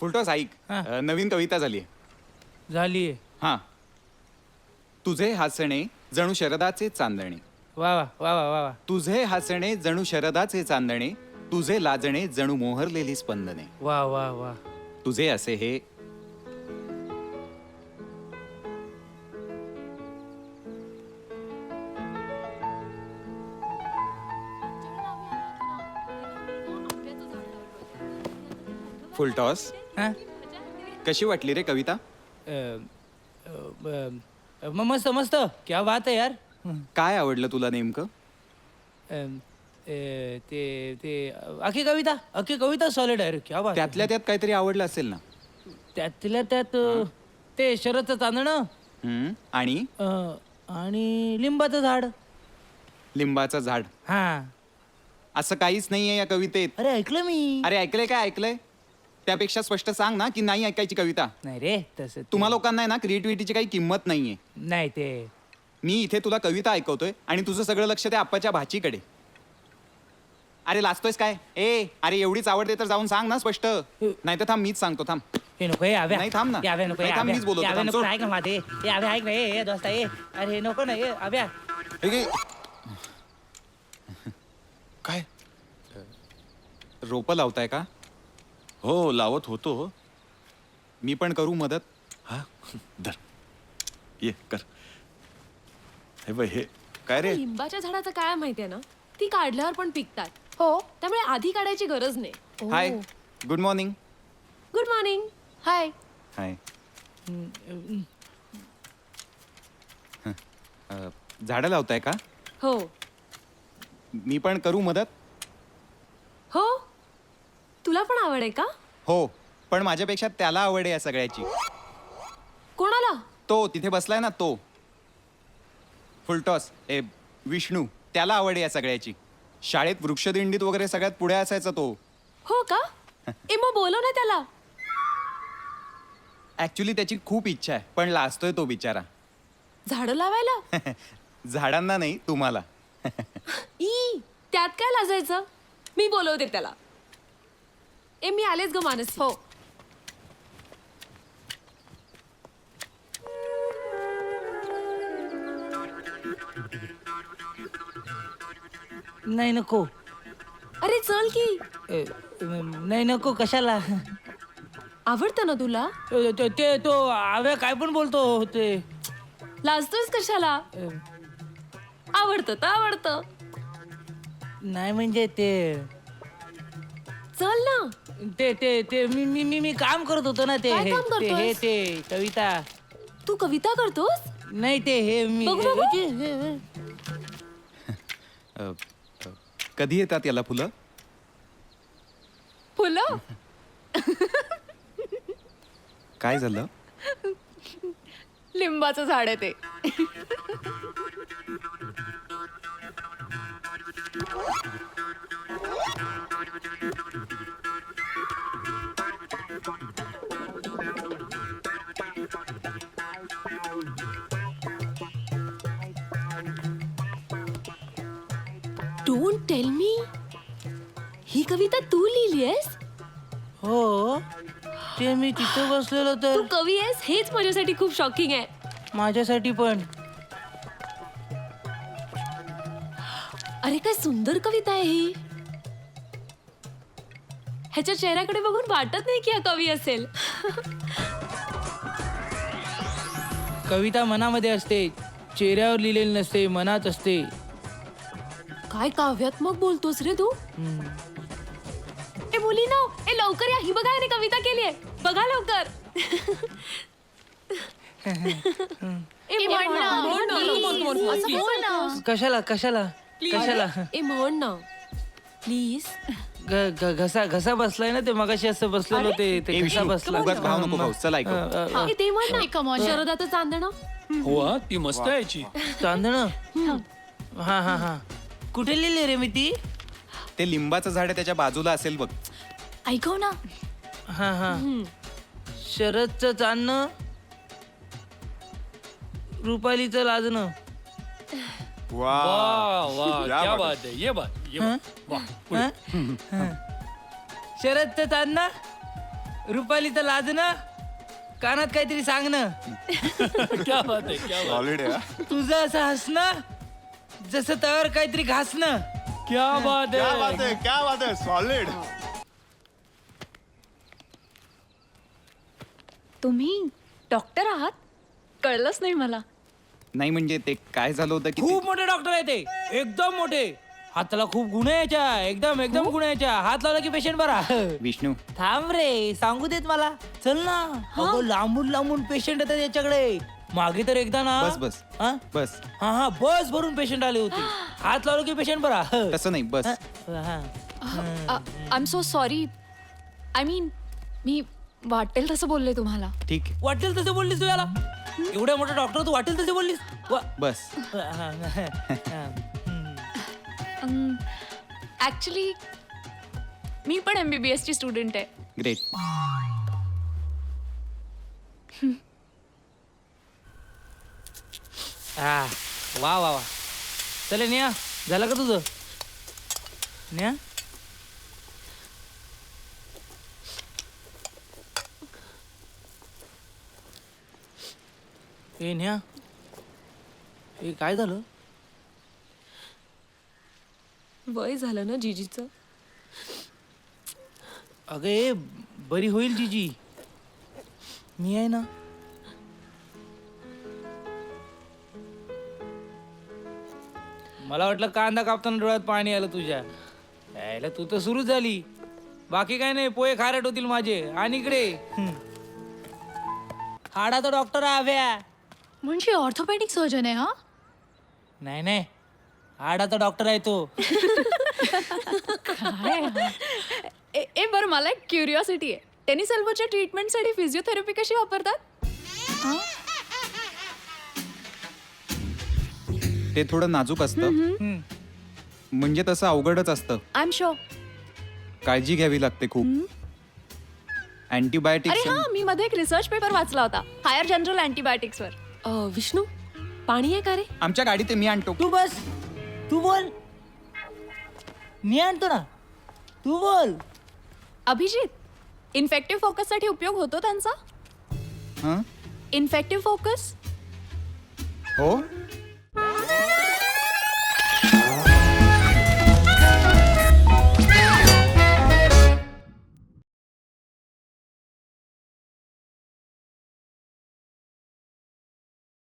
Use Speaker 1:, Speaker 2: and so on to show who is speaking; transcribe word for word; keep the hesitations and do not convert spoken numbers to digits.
Speaker 1: Full toss ऐक, अ, नवीन कविता झाली
Speaker 2: झाली
Speaker 1: हा. तुझे हसणे जणू शरदाचे चांदणे,
Speaker 2: वा वा वा वा वा वा.
Speaker 1: तुझे हसणे जणू शरदाचे चांदणे, तुझे लाजणे जणू मोहरलेली स्पंदने.
Speaker 2: वा वा वा.
Speaker 1: तुझे असे हे फुलटॉस.
Speaker 2: हा?
Speaker 1: कशी वाटली रे कविता?
Speaker 2: अ, अ, अ, म- मस्त मस्त, क्या बात आहे यार.
Speaker 1: काय आवडलं तुला नेमकं?
Speaker 2: अ, ए, ते ते अख्खी कविता अख्खी कविता सॉलिड आहे रे, क्या बात आहे.
Speaker 1: त्यातल्या त्यात काहीतरी आवडलं असेल ना?
Speaker 2: त्यातल्या त्यात अ, ते शरदचं चांदणं
Speaker 1: हम्म. आणि
Speaker 2: अ, आणि लिंबाचं झाड.
Speaker 1: लिंबाचं झाड.
Speaker 2: हा.
Speaker 1: असं काहीच नाहीये या कवितेत.
Speaker 2: अरे ऐकलं मी.
Speaker 1: अरे ऐकलंय काय ऐकलंय? त्यापेक्षा स्पष्ट सांग ना की नाही ऐकायची कविता.
Speaker 2: नाही रे तसं ते-
Speaker 1: तुम्हा लोकांना आहे ना क्रिएटिव्हिटीची काही किंमत नाहीये.
Speaker 2: नाही ते
Speaker 1: मी इथे तुला कविता ऐकवतोय आणि तुझं सगळं लक्ष त्या आप्पाच्या भाचीकडे. अरे लाजतोयस काय? ए अरे एवढीच आवडते तर जाऊन सांग ना स्पष्ट. नाही तर थांब मीच सांगतो थांब.
Speaker 2: हे नको हे आव्या.
Speaker 1: नाही, थांब ना.
Speaker 2: हे आव्या नको हे
Speaker 1: नाही, थांब,
Speaker 2: आव्या.
Speaker 1: मीच बोलवतो,
Speaker 2: हे आव्या
Speaker 1: थांब,
Speaker 2: नको
Speaker 1: सोड.
Speaker 2: ऐक ना माझे. हे आव्या ऐक ना हे हे दोस्ता हे. अरे नको ना हे आव्या.
Speaker 1: हे घे.
Speaker 3: काय?
Speaker 1: रोपं लावताय का?
Speaker 3: हो लावत होतो.
Speaker 1: मी पण करू मदत?
Speaker 3: हा धर ये कर. हे बघ हे काय रे?
Speaker 4: लिंबाच्या झाडाचं काय माहितीये ना, ती काढल्यावर पण पिकतात. हो, त्यामुळे आधी काढायची गरज नाही.
Speaker 1: Hi, good morning.
Speaker 4: Good morning. Hi.
Speaker 1: Hi. अ, झाडं लावताय का?
Speaker 4: हो
Speaker 1: मी पण करू मदत?
Speaker 4: हो, तुला पण आवड आहे का?
Speaker 1: हो, पण माझ्यापेक्षा त्याला आवड आहे या सगळ्याची.
Speaker 4: कोणाला?
Speaker 1: तो तिथे बसलाय ना तो. फुलटॉस ए विष्णू, त्याला आवड आहे या सगळ्याची. शाळेत वृक्षदिंडीत वगैरे सगळ्यात पुढे असायचा तो.
Speaker 4: हो का? ए मग बोलव ना त्याला.
Speaker 1: ऍक्च्युली त्याची खूप इच्छा आहे, पण लाजतोय तो बिचारा.
Speaker 4: झाडं लावायला?
Speaker 1: झाडांना नाही, तुम्हाला.
Speaker 4: ई त्यात काय लाजायचं? मी बोलवते त्याला. ए मी आलेच ग मानसी. हो.
Speaker 2: नाही नको.
Speaker 4: अरे चल की.
Speaker 2: ए, नाही नको कशाला.
Speaker 4: आवडतं ना तुला?
Speaker 2: ते ते- ते तो आव्या काय पण बोलतो ते.
Speaker 4: लाजतोयस कशाला?
Speaker 2: ए,
Speaker 4: आवडतं तर आवडतं.
Speaker 2: नाही म्हणजे ते
Speaker 4: चल ना.
Speaker 2: ते ते ते मी मी मी मी काम करत होतो ना ते
Speaker 4: काय
Speaker 2: हे
Speaker 4: काम
Speaker 2: ते हे
Speaker 4: करतोयस?
Speaker 2: ते कविता.
Speaker 4: तू कविता करतोस?
Speaker 2: नाही ते हे मी
Speaker 4: बघू, बघू.
Speaker 2: हे- हे- हे-
Speaker 1: अ, अ, कधी येतात याला फुलं?
Speaker 4: फुलं?
Speaker 1: काय झालं?
Speaker 4: लिंबाचं झाड आहे ते. डोंट टेल मी, ही कविता तू लिहिली आहेस?
Speaker 2: हो ते मी तिथं बसलेलो
Speaker 4: तू
Speaker 2: तर
Speaker 4: कवी आहेस हेच माझ्यासाठी खूप शॉकिंग आहे.
Speaker 2: माझ्यासाठी पण.
Speaker 4: अरे काय सुंदर कविता आहे ही. ह्याच्या चेहऱ्याकडे बघून वाटत नाही की हा कवी असेल.
Speaker 2: कविता मनामध्ये असते, चेहऱ्यावर लिहिलेली नसते, मनात असते.
Speaker 4: काय काव्यात्मक बोलतोस रे तू.
Speaker 2: हम्म.
Speaker 4: ए मुलीनो, ए लवकर या, ही बघा याने कविता केली आहे. बघा लवकर. ए म्हण ना, म्हण ना. असं बोल ना.
Speaker 2: कशाला कशाला कशाला
Speaker 4: ए म्हण ना प्लीज.
Speaker 2: ग- ग- घसा घसा बसलाय ना ते मगाशी असं बसलेलो ते
Speaker 1: ए,
Speaker 2: ते घसा
Speaker 1: विष्णू,
Speaker 2: बसला.
Speaker 1: उगाच भाव नको खाऊस. चल ऐकव.
Speaker 2: अ, अ, अ,
Speaker 4: ए ते म्हण ना, शरदाचं चांदणं.
Speaker 5: हो हा, ती मस्त आहे याची.
Speaker 2: चांदणं. हा हा हा कुठे लिहिली रे मी ती?
Speaker 1: ते लिंबाचं झाड आहे त्याच्या बाजूला असेल बघ.
Speaker 4: ऐकव ना.
Speaker 2: हा हा शरदचं चांदणं, रुपालीचं लाजणं.
Speaker 1: वा
Speaker 5: वा वा
Speaker 1: या
Speaker 5: क्या
Speaker 1: बात
Speaker 5: बात आहे. ये बात ये बात. वा पुढे.
Speaker 2: हं? हं. शरदचं चांदणं, रुपाली तर लाज ना कानात काहीतरी सांग ना.
Speaker 5: क्या बात आहे क्या बात
Speaker 1: सॉलिड आहे
Speaker 2: तुझं असं हसणं जसं तवर काहीतरी घासणं.
Speaker 5: क्या बात आहे
Speaker 1: है क्या बात है सॉलिड.
Speaker 4: तुम्ही डॉक्टर आहात कळलंच नाही मला.
Speaker 1: नाही म्हणजे ते काय झालं होतं की ते-
Speaker 2: खूप मोठे डॉक्टर आहे ते एकदम मोठे. हाताला खूप गुण यायच्या एकदम एकदम गुण यायच्या. हात लावला की पेशंट बरा.
Speaker 1: विष्णू
Speaker 2: थांब रे सांगू देत मला. चल ना. अगं लांबून लांबून पेशंट येतात याच्याकडे. मागे तर एकदा ना
Speaker 1: बस बस
Speaker 2: हा
Speaker 1: बस
Speaker 2: हा हा बस भरून पेशंट आले होते. हात लावलं की पेशंट बरा.
Speaker 1: तसं नाही बस.
Speaker 4: I'm so sorry. I mean मी वाटेल तसं बोलले तुम्हाला.
Speaker 1: ठीक आहे,
Speaker 2: वाटेल तसे बोललीस तू याला. एवढ्या मोठा डॉक्टर तू वाटेल तसे बोललीस. वा-
Speaker 1: बस.
Speaker 2: हा, हा, हा.
Speaker 4: ऍक्च्युली मी पण एमबीबीएस ची स्टुडंट आहे.
Speaker 1: ग्रेट.
Speaker 2: हा वा वा वा. चले नेहा झालं का तुझं. नेहा ए नेहा हे काय झालं.
Speaker 4: वय झालं ना जीजीचं.
Speaker 2: अगं ए बरी होईल जीजी. मी आहे ना. मला वाटलं कांदा कापताना डोळ्यात पाणी आलं तुझ्या. यायला तू तर सुरूच झाली. बाकी काय नाही पोहे खारट होतील माझे. आणि इकडे हम्म. हाडाचा डॉक्टर आव्या.
Speaker 6: म्हणजे ऑर्थोपेडिक सर्जन आहे हा.
Speaker 2: नाही नाही हाडाचा डॉक्टर आहे तो.
Speaker 6: काय हा?
Speaker 4: ए ए, बरं मला एक क्युरिओसिटी आहे. टेनिस एल्बोच्या ट्रीटमेंटसाठी फिजिओथेरपी कशी वापरतात.
Speaker 1: ते थोडं नाजूक असतं
Speaker 2: हम्म.
Speaker 1: म्हणजे तसं अवघडच असतं.
Speaker 4: I'm sure.
Speaker 1: काळजी घ्यावी लागते खूप.
Speaker 4: अरे
Speaker 1: अँटीबायोटिक्स
Speaker 4: हा मी मध्ये एक रिसर्च पेपर वाचला होता हायर जनरल अँटीबायोटिक्सवर. विष्णू पाणी आहे का रे.
Speaker 1: आमच्या गाडीत आहे, मी आणतो.
Speaker 2: तू बस तू बोल. मी आणतो ना तू बोल.
Speaker 4: अभिजित इन्फेक्टिव्ह फोकससाठी उपयोग होतो त्यांचा.
Speaker 1: हं?
Speaker 4: इन्फेक्टिव्ह फोकस
Speaker 1: हो